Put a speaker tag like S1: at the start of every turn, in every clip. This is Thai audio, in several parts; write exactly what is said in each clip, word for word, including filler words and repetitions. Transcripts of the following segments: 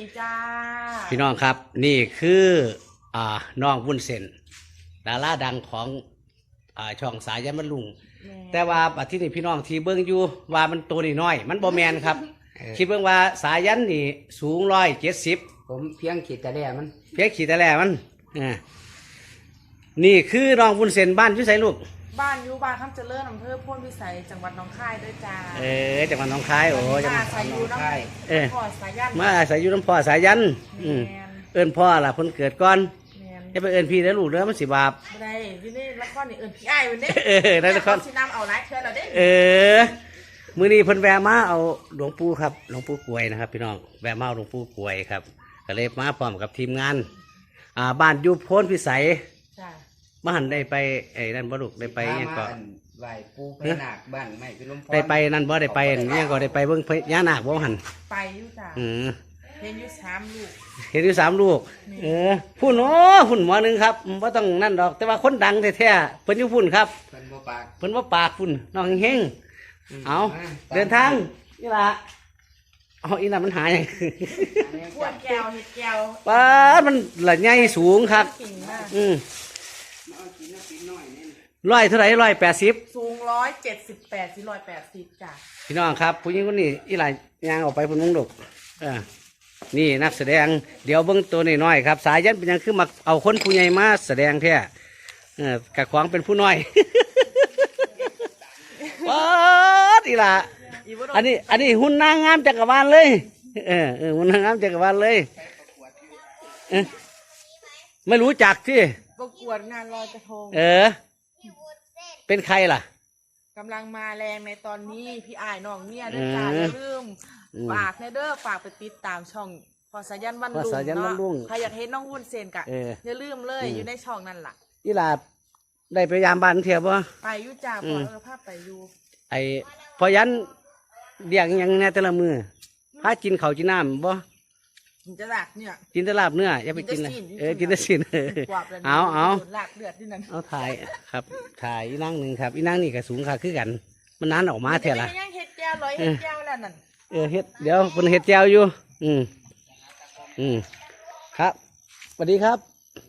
S1: จ้า
S2: พี่น้องครับนี่คืออ่าน้องวุ้นเส้นดาราดังของอ่าช่องสายยันบรรลุงแต่ว่าบัดที่นี่พี่น้องที่เบิ่งอยู่ว่ามันตัวน้อยมันบ่แมนครับคิดเบิ่งว่าสายยันนี่สูงร้อยเจ็ดสิบ
S3: ผมเพียงขีดแต่แรกมัน
S2: เพียงขีดแต่แรกมันอ่านี่คือน้องวุ้นเส้นบ้านอยู่ไสลูก
S1: บ้านอยู่บ้านคำเจริญอำเภอโพนพิสัยจังหวัดหนองคายด้วยจ้า
S2: เออจังหวัดหนองคายโอ้จังหวัด
S1: หนองคายเออพ่อสายัน
S2: มาอาศัยอยู่น้ำพ่อสายยันอืมเอิ้นพ่อล่ะเพิ่นเกิดก่อนจะไปเอิ้นพี่แล้วลูกเด้อมันสิบาป
S1: บ่ได้ที่นี่ละครนี่เอิ้นพี่อ้ายเพิ่นเด้
S2: เออได้ละคร
S1: สินำเอาหลายเทื่อแล้วเด้
S2: เออมื้อนี้เพิ่นแวะมาเอาหลวงปู่ครับหลวงปู่กวยนะครับพี่น้องแวะมาเอาหลวงปู่กวยครับก็เลยมาพร้อมกับทีมงานอ่าบ้านอยู่โพนพิสัย
S1: จ้า
S2: มาหันได้ไปไอ้นั่นบ่ลูกได้ไปยังก็
S3: ไหว้ปู่พญานาคบ้านไม่พิลมพร
S2: ได้ไปนั่นบ่ได้ไปยังก็ได้ไปเบิ่งพญานาคบ่หัน
S1: ไปอยู่จ้า
S2: อือ
S1: เห็นอยู่สามลูก
S2: เห็นอยู่สามลูกเออพุ่นโอ้พุ่นหมอหนึ่งครับว่าต้องนั่นดอกแต่ว่าคนดังแท้ๆเพิ่นอยู่พุ่นครับ
S3: เพิ่นบ่ปาก
S2: เพิ่นว่าปากพุ่นน้องเฮงเอาเดินทางนี่ล่ะเอาอีนั่นมันหายยัง
S1: ขวดแก้วเห็ดแก้ว
S2: ป้ามันละใหญ่สูงครับอืมร้อยเท่าไหร่ร้อยแปดสิบ
S1: สูงร้อยเจ็ดสิบแปดสี่ร้อยแปดสิบจ้ะ
S2: พี่น้องครับผู้หญิงคนนี้อีหลายยางออกไปพุ่นมุงดกเออนี่นักแสดงเดี๋ยวเบิ้งตัวน้อยๆครับสายยันเป็นยังคือมาเอาคนผู้ใหญ่มาแสดงแท้เออกะขวางเป็นผู้น้อยว้าดีละอันนี้อันนี้หุ่นนางงามจักรวาลเลยเออเออหุ่นนางงามจักรวาลเลยเออไม่รู้จักที่
S1: ประกวดงานลอยกระทง
S2: เออเป็นใครล่ะ
S1: กำลังมาแรงในตอนนี้พี่อ้ายน้องเมียด้วยจ้าอย่าลืมฝากในเด้อฝากไปติดตามช่องพอสายันวันลุงเนาะใครอยากเห็นน้องวุ้นเส้นกะอย่าลืมเลยอยู่ในช่องนั่นล่ะ
S2: อีหลาได้ไปยามบ้านเทียบวะ
S1: ไปอยู่จ้าพอเออภาพไปอยู่
S2: ไอพอยันเดี่ยงยังแน่แต่ละมือพากินเขากินน้ำบ่
S1: กินจะลาบเนี่ย
S2: กินแต่ลาบเนื้ออย่าไปกินเลยเออกินแต่สินเอาเอา
S1: ลาบเลือดที่นั่น
S2: เอาถ่ายครับถ่ายอีนั่งหนึ่งครับอีนั่งนี่ก็สูงค่ะคือกันมันนั้นออกมาเท่าไหร่
S1: เฮ็ดแก้วร้อยเฮ็ดแก้วแล้วนั่น
S2: เออเฮ็ดเดี๋ยวเป็นเฮ็ดแก้วอยู่อืมอืมครับสวัสดีครับ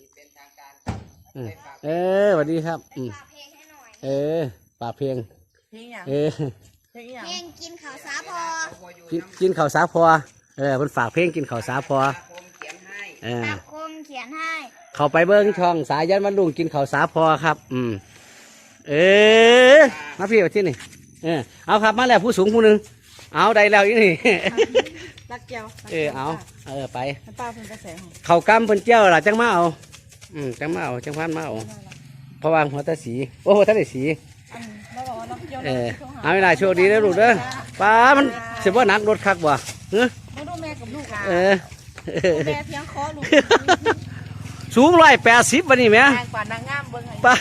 S2: เออสวัสดีครับอืมเออป่าเพลงเออ
S4: เพลงกินข้าวสาพอ
S2: กินข้าวสาพอเออมันฝากเพลงกินข้าวสาพอเออ
S4: คมเขียนให้
S2: เข้าไปเบิ้งช่องสายยันวันลุงกินข้าวสาพอครับอืมเออมาพี่มาที่นี่เออเอาครับมาแล้วผู้สูงผู้หนึ่งเอาได้แล้วอีนี่
S1: รักเจ้า
S2: เออเอาเออไป
S1: ป้าเพิ่นกระแส
S2: เขากำเพิ่นเจ้าล่ะจังมาเอาอืมจังมาเอาจังพันมาเอาเพราะว่าหัวตาสีโอ้หัวตาได้สีเออเอาเวลาโชคดีแล้วลูกเด้อป้ามันเสียว่านักรถคักบ่เฮ้ย
S1: มาดูแม่กับลูก
S2: เออ
S1: แม่เพียงคอลูก
S2: สูงร้อยแปดสิบวันนี้ไหม
S1: กว่านางงามเบิ้ง
S2: ป้า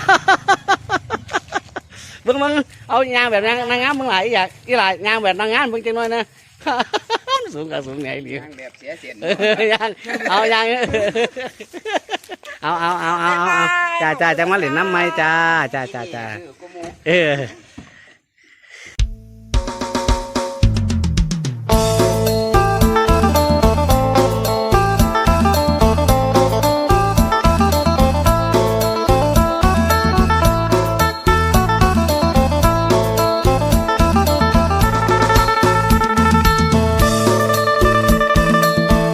S2: เบิ้งมึงเอายางแบบนางนางงามมึงหลายอยากอีหลายยางแบบนางงามเบิ้งจังหน่อยนะสูงกับสูงไงดียางแบบเสียเสียนยางเอายางเอาเอาเอาเอาเอาจ้าจ้าจังมาเหรียญน้ำไม้จ้าจ้าจ้าจ้าเออ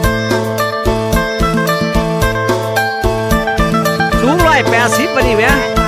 S2: แปดสิบวันนี้ไหม